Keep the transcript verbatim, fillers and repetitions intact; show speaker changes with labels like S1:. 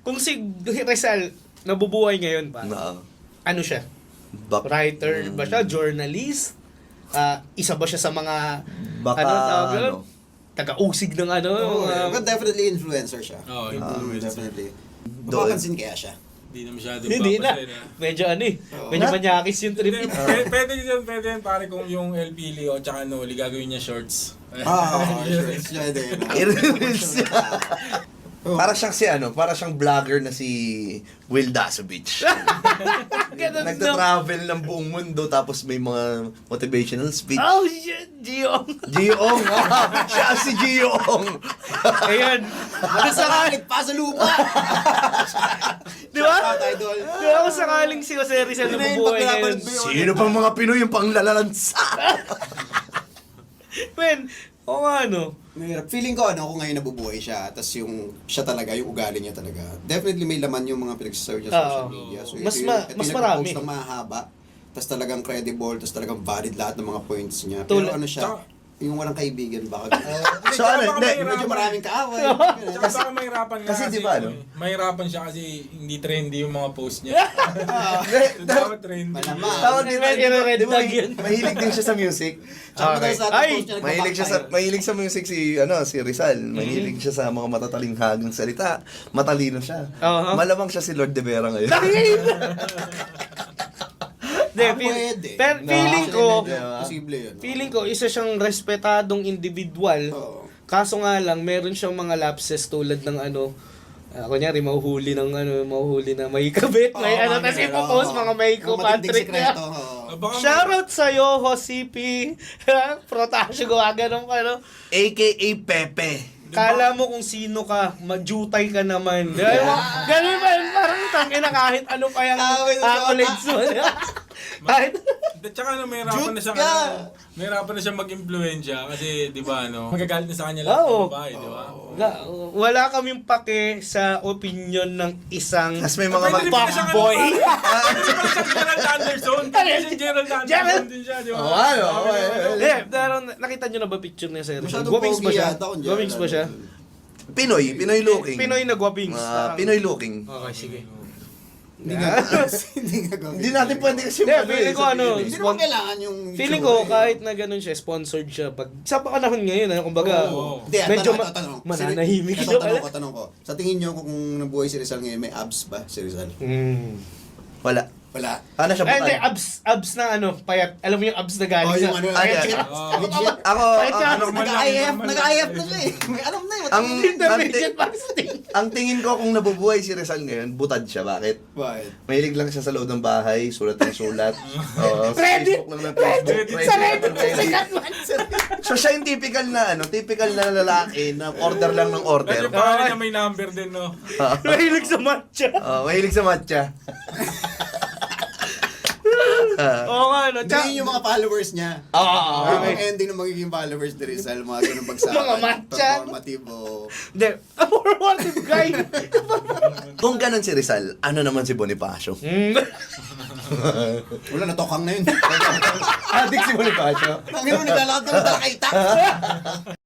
S1: Kung si Rizal nabubuhay ngayon pa,
S2: Na,
S1: ano siya?
S2: bak,
S1: Writer
S2: mm,
S1: ba siya? Journalist? Ah, isa ba siya sa mga
S2: Baka,
S1: ano tawag yun?
S2: ano?
S1: Taga-usig ng ano?
S3: Oh,
S1: mga-
S3: but definitely influencer siya.
S4: Oo,
S3: Ah,
S4: influencer.
S3: definitely.
S2: Doon.
S3: Mapapansin kaya siya.
S4: Hindi na masyado
S1: Hindi na.
S4: papasaya na.
S1: Medyo ano eh.
S3: Oo.
S1: Medyo manyakis yung trip.
S4: Hindi, pwede, pwede yun, pwede yun, pare kung yung L P Leo tsaka Noli gagawin niya shorts.
S3: Ah, sure. Siya din.
S2: I-reels niya. Para siyang si ano, para siyang vlogger na si Will Dasovich.
S1: Ganun, no?
S2: Nagta-travel ng buong mundo tapos may mga motivational speech.
S1: Oh shit, Gio.
S2: Giyong! ah, siya si Giyong!
S1: Ayun. Kung sakali,
S3: pa sa lupa!
S1: di ba?
S3: Shout out, idol.
S1: Di ba kung sakaling si Jose Rizal
S3: Yun na
S1: nabubuhay
S3: yun, pag
S1: ngayon?
S3: pinapanood mo yun.
S2: Sino pang mga Pinoy yung panglalalansa?
S1: Men, o nga ano.
S3: Mahirap. Feeling ko ano, kung ngayon nabubuhay siya, tapos yung siya talaga, yung ugali niya talaga. Definitely may laman yung mga pinagsasabi niya sa social
S1: Oo.
S3: media. So,
S1: Mas
S3: ito
S1: ma-
S3: yung- ito
S1: mas
S3: yung
S1: marami.
S3: nag-post ng mahaba, tapos talagang credible, tapos talagang valid lahat ng mga points niya. Pero
S1: Tulad-
S3: ano siya,
S4: Tsaka-
S3: yung walang kaibigan baka.
S2: So ano, hindi,
S3: Medyo maraming kaaway.
S4: Tsaka baka mahirapan nga
S2: kasi di ba, ano?
S4: eh, mahirapan siya kasi hindi trendy yung mga post niya.
S2: Hindi,
S4: So, dapat trendy.
S3: Malamang.
S2: Tawag dito,
S1: May i-red
S2: di ba,
S1: tag yun.
S2: mahilig din siya sa music.
S3: Tsaka
S1: Okay.
S3: madalas lahat ng
S1: Ay!
S3: post niya
S2: Mahilig siya sa
S3: nagbabackfire.
S2: mahilig sa music si ano si Rizal. Mahilig siya sa mga matatalinghagang salita. Matalino siya.
S1: Oo.
S2: Malamang siya si Lord de Vera ngayon.
S1: Hindi,
S3: Ah,
S1: feel-
S3: pwede.
S1: pero
S2: No.
S1: feeling ko,
S3: Actually, medyo posible yun.
S1: feeling ko, isa siyang respetadong individual.
S3: Oo.
S1: Kaso nga lang, meron siyang mga lapses tulad ng ano, uh, kunyari, mahuhuli ng ano, mahuhuli na may kabit, may
S3: Oo,
S1: ano,
S3: mga
S1: tapos
S3: ganun,
S1: ipopost
S3: oo.
S1: mga Mayko
S3: Mga matinding
S1: Patrick niya.
S3: sikreto, oo.
S4: Ah, baka may-
S1: Shoutout sa'yo, Hosipi. Protasyo, gawa ganun ka, no?
S2: A K A Pepe.
S1: Kala mo kung sino ka, majutay ka naman. Ganun, ganun pa yun, parang tangina kahit ano pa yung
S3: Away na
S1: accolades mo. Kahit,
S4: At saka ano, mahirapan na siya,
S3: Shoot ka!
S4: ano, mahirapan na siya mag-impluensya kasi, di ba, ano, magagalit na sa kanya lahat
S1: Oo.
S4: ng babae, di ba?
S1: Ga- wala kaming pake sa opinion ng isang
S2: Tapos may mga
S4: Pwede
S2: mag-
S4: rin pala siyang
S1: fuckboy.
S4: ano, pare. Pwede pala siyang Gerald Anderson. Pwede siyang Gerald Anderson
S1: Gerald-
S4: din siya, di ba?
S2: Oo, ano, oo,
S4: Sabi
S2: oo,
S4: niya,
S1: Eh, pero nakita nyo na ba picture niya sa Rizal?
S3: Masyadong
S1: Guwapings ba
S3: pogi
S1: siya?
S3: yata kung
S1: Guwapings ba siya?
S2: Pinoy, Pinoy looking.
S1: Pinoy na guwapings.
S2: Ah,
S1: Parang-
S2: Pinoy looking.
S1: Okay, sige.
S3: Hindi nga. Hindi nga gawin.
S2: Hindi natin pwede kasi
S1: Hindi,
S2: ano
S1: feeling
S2: eh,
S1: ko ano,
S2: sabihin eh.
S3: Hindi naman kailangan yung...
S1: Feeling
S3: itsura
S1: ko,
S3: eh.
S1: kahit na ganun siya, sponsored siya. Pag, sa panahon ngayon, ano, kumbaga,
S4: Oo.
S3: Hindi, at
S1: medyo
S3: tanong,
S1: ma-
S3: ito, tanong.
S1: mananahimik
S3: Ito,
S1: siya.
S3: tanong ko, tanong ko. Sa tingin nyo, kung nabuhay si Rizal ngayon, may abs ba si Rizal?
S1: Hmm.
S2: Wala.
S3: Wala.
S2: Ano siya
S1: Ay, hindi,
S2: bukan?
S1: abs, abs na ano, payat. Alam mo yung abs na galing
S3: Oh,
S1: sa...
S3: yung ano,
S2: Ay,
S3: legit.
S4: ah,
S3: Legit.
S2: Ako,
S1: Kahit
S2: ang,
S1: siya-
S2: ano,
S4: normal lang,
S3: Nag-I F,
S4: normal
S3: nag-I F
S4: lang.
S3: na siya eh. May alam na eh.
S2: ang,
S1: Intermediate
S2: ang,
S1: fasting.
S2: ang tingin ko kung nabubuhay si Rizal ngayon, butad siya. Bakit?
S3: Bakit?
S2: Mahilig lang siya sa loob ng bahay, sulat ng sulat. Oo, sa
S1: Reddit!
S2: Facebook lang ng Facebook.
S4: Reddit!
S1: Sa
S2: Reddit,
S1: Reddit,
S2: Reddit.
S1: sikat man.
S2: So siya yung typical na ano, typical na lalaki na order lang ng order.
S4: Medyo pangalan niya may number din, no?
S1: Mahilig sa matcha.
S2: Oh, mahilig sa matcha.
S1: Oo nga, no?
S3: Hindi
S1: Tsaka,
S3: yun yung mga followers niya.
S1: Oo,
S3: Yung
S1: okay.
S3: mga ending ng magiging followers ni Rizal, mga ganun bagsakan.
S1: Mga matcha.
S3: Performative o...
S1: Hindi, a formative guy.
S2: Kung ganun si Rizal, ano naman si Bonifacio?
S1: Hmm.
S3: Wala, natokang na yun.
S2: Adik si Bonifacio.
S3: Ang gano'n, naglalakad ka ng talakay